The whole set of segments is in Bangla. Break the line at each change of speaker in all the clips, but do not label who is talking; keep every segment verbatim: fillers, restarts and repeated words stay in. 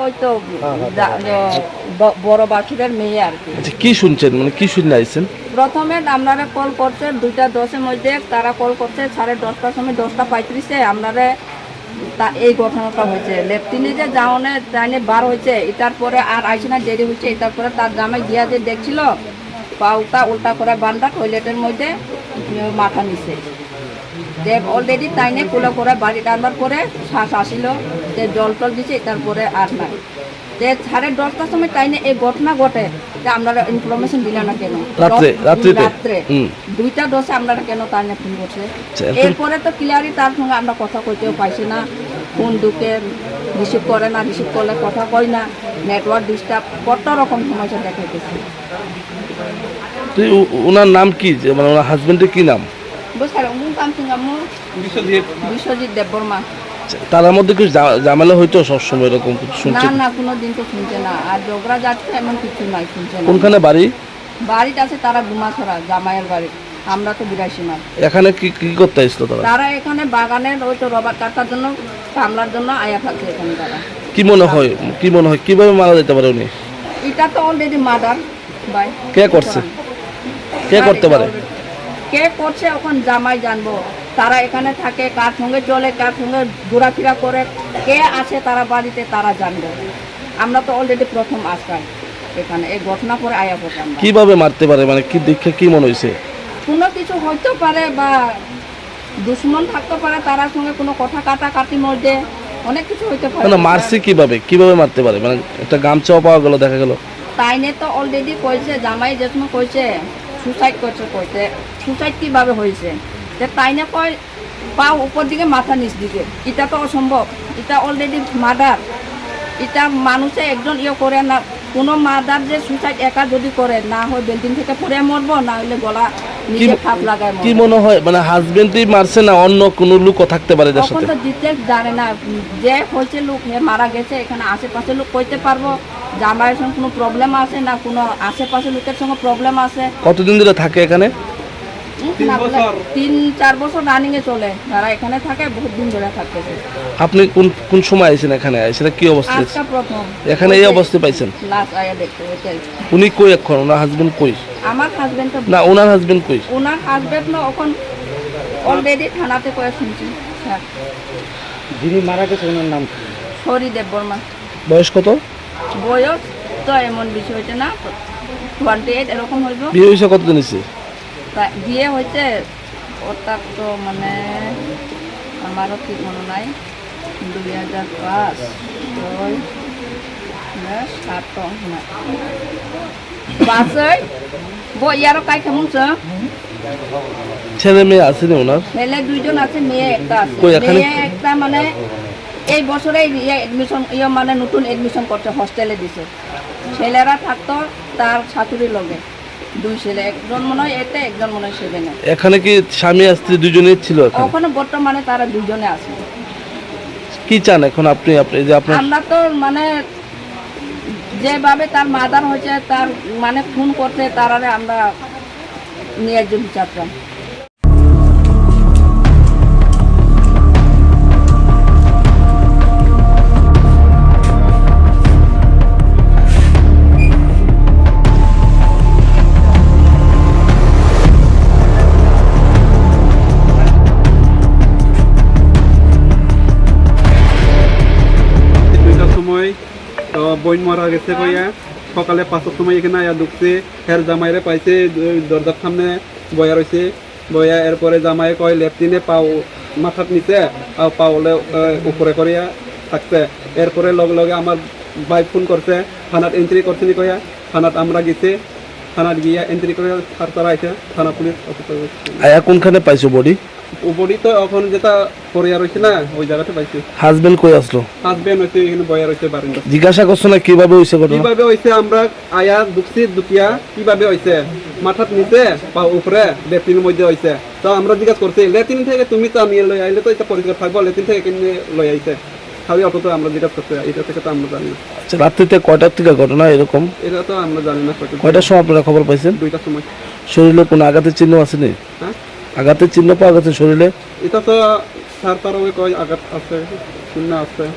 ওই তো বড় বাসুরের মেয়ে আর কি।
আচ্ছা কি শুনছেন, মানে কি শুনে আইছেন?
প্রথমে আপনারা কল করছে দুইটা দশের মধ্যে, তারা কল করছে সাড়ে দশটার সময়, দশটা পঁয়ত্রিশে আপনারা তা এই ঘটনাটা হয়েছে। লেফটিনে যে যাওনে ট্রেনে বার হয়েছে, এটার পরে আর আইসে না, দেরি হয়েছে। এটার পরে তার জামাই গিয়া যে দেখছিল পাউটা উল্টা করে বান্ধা টয়লেটের মধ্যে মাথা নিছে। যে অলরেডি তাইনে কুলো করে বাড়ি টানবার পরে শ্বাস আসিল, যে জল টল দিছে, তারপরে আর নাই। যে সাড়ে দশটার সময় তাইনে এই ঘটনা ঘটে, যে আপনারা ইনফরমেশন দিলে না কেন?
রাত্রে রাত্রিতে
রাত্রে দুইটা দশে আপনারা কেন তাইনে ফোন করছে? এরপরে তো ক্লিয়ারই তার সঙ্গে আমরা কথা কইতেও পাইছি না, ফোন ঢুকে রিসিভ করে না, রিসিভ করলে কথা কই না, নেটওয়ার্ক ডিস্টার্ব কত রকম সমস্যা দেখাইতেছে।
তো ওনার নাম কি, মানে ওনার হাজবেন্ডের কি নাম?
বিশ্বজিৎ দেববর্মা।
তার মধ্যে কিছু ঝামেলা হইতো সবসময় এরকম শুনছি?
না না, কোনো দিন তো শুনছে না। আর ঝগড়া যাচ্ছে এমন কিছু নাই, শুনছে না।
কোনখানে বাড়ি?
বাড়িটা আছে তারা গুমাছড়া, জামাইয়ের বাড়ি। আমরা তো বিরাশি মাস।
এখানে কি কি করতে আসলো তারা?
তারা এখানে বাগানের ওই তো রবার কাটার জন্য, কামলার জন্য আয়া থাকছে এখানে। তারা
কি মনে হয়, কি মনে হয় কিভাবে মারা যেতে পারে উনি?
এটা তো অলরেডি মার্ডার ভাই।
কে করছে? কে করতে পারে?
কে করছে এখন জামাই জানবো। তারা এখানে থাকে, কার সঙ্গে চলে, কার সঙ্গে ঘোরাফেরা করে, কে আছে তারা বাড়িতে, তারা জানবে। আমরা তো অলরেডি প্রথম আসলাম এখানে, এই ঘটনা পরে আয়া পড়লাম।
কিভাবে মারতে পারে, মানে কি দেখে কি মনে হয়েছে?
কোনো কিছু হইতে পারে, বা দুশ্মন থাকতে পারে, তার সঙ্গে কোনো কথা কাটাকাটির মধ্যে অনেক কিছু হইতে পারে।
মানে মারছে কিভাবে, কিভাবে মারতে পারে? মানে একটা গামছাও পাওয়া গেল, দেখা গেল।
তাইনে তো অলরেডি কইছে, জামাই যে সময় কইছে সুসাইড করছে, কইছে সুসাইড কিভাবে হয়েছে, যে তাইনে কয় পা উপর দিকে মাথা নিচ দিকে। এটা তো অসম্ভব, এটা অলরেডি মার্ডার। এটা মানুষে একজন ইয়ে করে না, কোনো মার্ডার যে সুসাইড একা যদি করে, না হয় বিল্ডিং থেকে পড়ে মরবো, না হলে গলা নিজে খাপ লাগায়।
কি মনে হয়, মানে হাজবেন্ডই মারছে না অন্য কোনো লোকও থাকতে পারে?
তখন তো ডিটেলস জানে না, যে হয়েছে লোক মারা গেছে, এখানে আশেপাশে লোক কইতে পারবো জামাইয়ের সঙ্গে কোনো প্রবলেম আছে না, কোনো আশেপাশে লোকের সঙ্গে প্রবলেম আছে।
কতদিন ধরে থাকে এখানে?
তিন চার বছর রানিং এ চলে, যারা এখানে থাকে বহুত দিন ধরে থাকতেছে।
আপনি কোন কোন সময় আইছেন এখানে? আইছেন কি অবস্থা?
আজকে প্রথম
এখানে এই অবস্থা পাইছেন?
লাস্ট আয়া দেখতে হইছে।
উনি কই এখন? ওনার হাজবেন্ড কই?
আমার হাজবেন্ড তো
না, ওনার হাজবেন্ড কই?
ওনার হাজবেন্ড না এখন অলরেডি থানাতে কয়ে শুনছি। স্যার
যিনি মারা গেছে ওনার নাম কি?
হরি দেববর্মা।
বয়স কত?
বয়স তো এমন বেশি হয়েছে না, টোয়েন্টি এইট এরকম হইব।
বিয়ে হয়েছে কতদিন হয়েছে?
বিয়ে হয়েছে ওটার তো মানে আমারও ঠিক মনে নাই, দুই হাজার পাঁচ ছয় সাত পাঁচ বইয়ারও কাই কেমন
ছেলে মেয়ে আছে না ওনার?
ছেলে দুইজন আছে, মেয়ে একটা আছে। মেয়ে একটা মানে এই বছরে এডমিশন ইয়ে মানে নতুন এডমিশন করছে, হোস্টেলে দিছে। ছেলেরা থাকতো তার শাশুড়ির লগে, দুই ছেলে, একজন মনে হয় এতে, একজন মনে হয় সেভেনে।
এখানে কি স্বামী স্ত্রী দুজনেই ছিল?
ওখানে বর্তমানে তারা দুজনে আছে।
কি চান এখন আপনি? আপনি যে আপনার,
আমরা তো মানে যেভাবে তার মাদার হয়েছে, তার মানে খুন করতে, তারারে আমরা নিয়ে একজন বিচার চাই।
তো বইন মারা গেছে কইয়া সকালে পাঁচটার সময় এখানে আয়া ঢুকছে, হের জামাইরে পাইছে দরজার সামনে বয়া রয়েছে। বয়া এরপরে জামাই কয় লেফটিনে পাও মাথার নিচে আর পাওলে উপরে করিয়া থাকছে। এরপরে লগে লগে আমার ভাই ফোন করছে, থানাত এন্ট্রি করছে নি কইয়া। থানাত আমরা গেছি, থানাত গিয়া এন্ট্রি করে তারা আইছে, থানা পুলিশ অফিসার।
আয়া কোনখানে পাইছো বডি?
বডি তো এখন যেটা পড়িয়া রয়েছে না, ওই জায়গাতে পাইছি।
হাজবেন্ড কই আসলো?
হাজবেন্ড হইছে এখানে বয়া রয়েছে বারান্দা।
জিজ্ঞাসা করছো না কিভাবে হইছে ঘটনা?
কিভাবে হইছে আমরা আয়া দুকছি দুটিয়া কিভাবে হইছে, মাথার নিচে বা উপরে লেট্রিনের মধ্যে হইছে। তো আমরা জিজ্ঞাসা করছি লেট্রিন থেকে তুমি তো আমি লই আইলে তো এটা পরিষ্কার থাকবো, লেট্রিন থেকে কিনে লই আইছে খালি অত। তো আমরা জিজ্ঞাসা করছি, এটা থেকে তো আমরা জানি না।
আচ্ছা, রাত্রিতে কয়টার থেকে ঘটনা এরকম?
এটা তো আমরা জানি না।
কয়টার সময় আপনারা খবর পাইছেন?
দুইটার সময়।
শরীরে কোনো আঘাতের চিহ্ন আছে নি?
হ্যাঁ,
আঘাতের চিহ্ন পাওয়া গেছে শরীরে?
এটা তো সার তার ওই কয় আঘাত আছে, শূন্য আছে।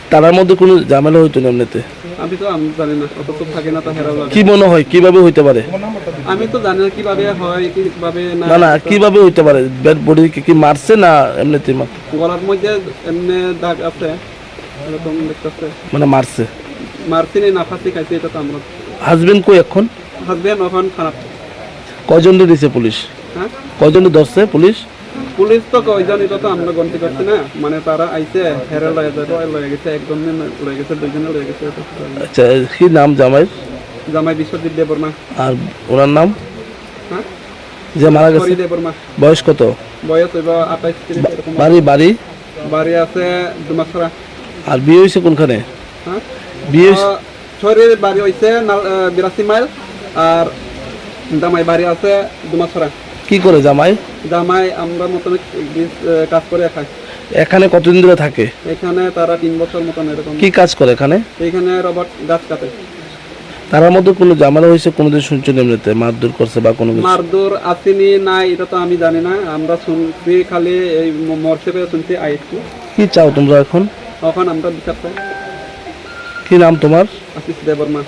তার মধ্যে কোনো ঝামেলা হইতো না এমনিতে?
আমি তো আমি জানি না, অত তো থাকে না, তা হেরা লাগে।
কি মনে হয় কিভাবে হইতে পারে?
আমি তো জানি না কিভাবে হয়, কিভাবে না।
না না কিভাবে হইতে পারে? ডেড বডি কি মারছে না এমনিতে?
গলার মধ্যে এমনি দাগ আছে, এরকম দেখতেছে।
মানে মারছে?
মারছি না, ফাঁসি খাইছে, এটা তো আমরা।
হাজবেন্ড কই এখন?
হাজবেন্ড এখন খারাপ।
কয়জন দিছে পুলিশ?
হ্যাঁ,
কয়জন ধরছে পুলিশ?
পুলিশ তো কয়জন এটা তো আমরা গন্তি করছি না, মানে তারা আইছে হেরে লয়ে যাবে, লয়ে গেছে, একজন লয়ে গেছে, দুইজনে লয়ে গেছে।
আচ্ছা কি নাম জামাইয়ের?
জামাই বিশ্বজিৎ দেববর্মা।
আর ওনার নাম?
হ্যাঁ,
যে মারা গেছে
হরি দেববর্মা।
বয়স কত?
বয়স হইব আঠাইশ তিরিশ এরকম।
বাড়ি বাড়ি
বাড়ি আছে দুমাছড়া।
আর বিয়ে হয়েছে কোনখানে?
হ্যাঁ,
বিয়ে হইছে-
শরীর বাড়ি হইছে বিরাশি মাইল, আর জামাই বাড়ি আছে দুমাছড়া।
কি করে জামাই?
জামাই আমরা মতন কাজ করে খাই।
এখানে কতদিন ধরে থাকে?
এখানে তারা তিন বছর মতন এরকম।
কি কাজ করে এখানে?
এখানে রবট গাছ কাটে।
তার মধ্যে কোনো ঝামেলা হয়েছে কোনোদিন শুনছেন এমনিতে মারধর করছে বা কোনো কিছু?
মারদুর আসেনি না, এটা তো আমি জানি না, আমরা শুনছি খালি এই মরছে পেয়ে শুনছি আইসি।
কি চাও তোমরা এখন?
এখন আমরা বিচার পাই।
কি নাম তোমার?
আশিস দেববর্মা।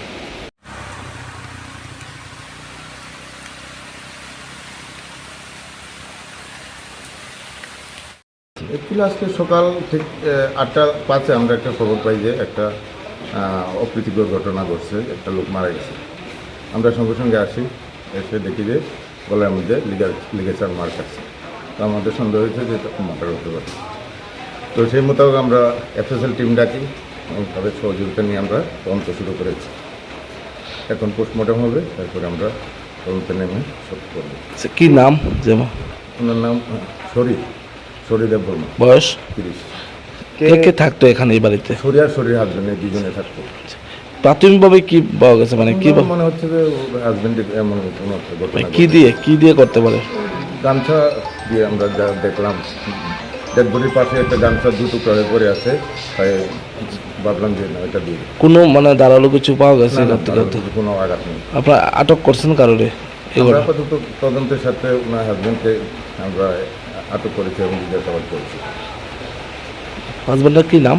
অ্যাকচুয়ালি আজকে সকাল ঠিক আহ, আটটা পাঁচে আমরা একটা খবর পাই যে একটা আহ, অপ্রীতিকর ঘটনা ঘটছে, একটা লোক মারা গেছে। আমরা সঙ্গে সঙ্গে আসি, এসে দেখি যে গলার মধ্যে লিগার লিগেচার মার্ক আছে। তো আমাদের সন্দেহ হয়েছে যে এটা মার্ডার হতে পারে। তো সেই মোতাবেক আমরা এফএসএল টিম ডাকি এবং তাদের সহযোগিতা নিয়ে আমরা তদন্ত শুরু করেছি। এখন পোস্টমর্টম হবে, তারপরে আমরা তদন্তে নেমে সব করবো।
আচ্ছা, কি নাম যেমন?
ওনার নাম শরী শরী দেববর্মা,
বয়স?
তিরিশ।
কে কে থাকতো এখানে এই বাড়িতে?
শরী আর শরীর হাজবেন্ডে দুজনে থাকতো।
প্রাথমিকভাবে কি পাওয়া গেছে মানে কি
আমার মনে হচ্ছে যে হাজবেন্ডের এমন কোনো একটা ঘটনা
মানে কি দিয়ে কি দিয়ে করতে পারে?
গামছা দিয়ে আমরা যা দেখলাম, ডেড বডির পাশে একটা গামছা দু টুকরা হয়ে পড়ে আছে, তাই ভাবলাম যে না এটা দিয়ে।
কোনো মানে দাঁড়ালো কিছু পাওয়া গেছে?
না, না,
করতে
তার
করতে
কিছু কোনো আঘাত নেই।
আপনারা আটক করছেন কারোরে?
আমরা
এগুলো
আপাতত তদন্তের সাথে ওনার হাজবেন্ডকে আমরা আটক করেছি এবং জিজ্ঞাসাবাদ করেছি।
হাজবেন্ডের কি নাম?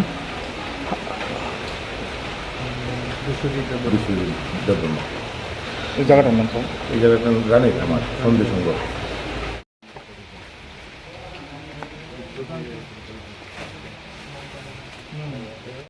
বিশ্বজিৎ দেববর্মা।
এই জায়গাটার নাম স্যার?
এই জায়গাটা জানি আমার সন্ধি সংগ্রহ।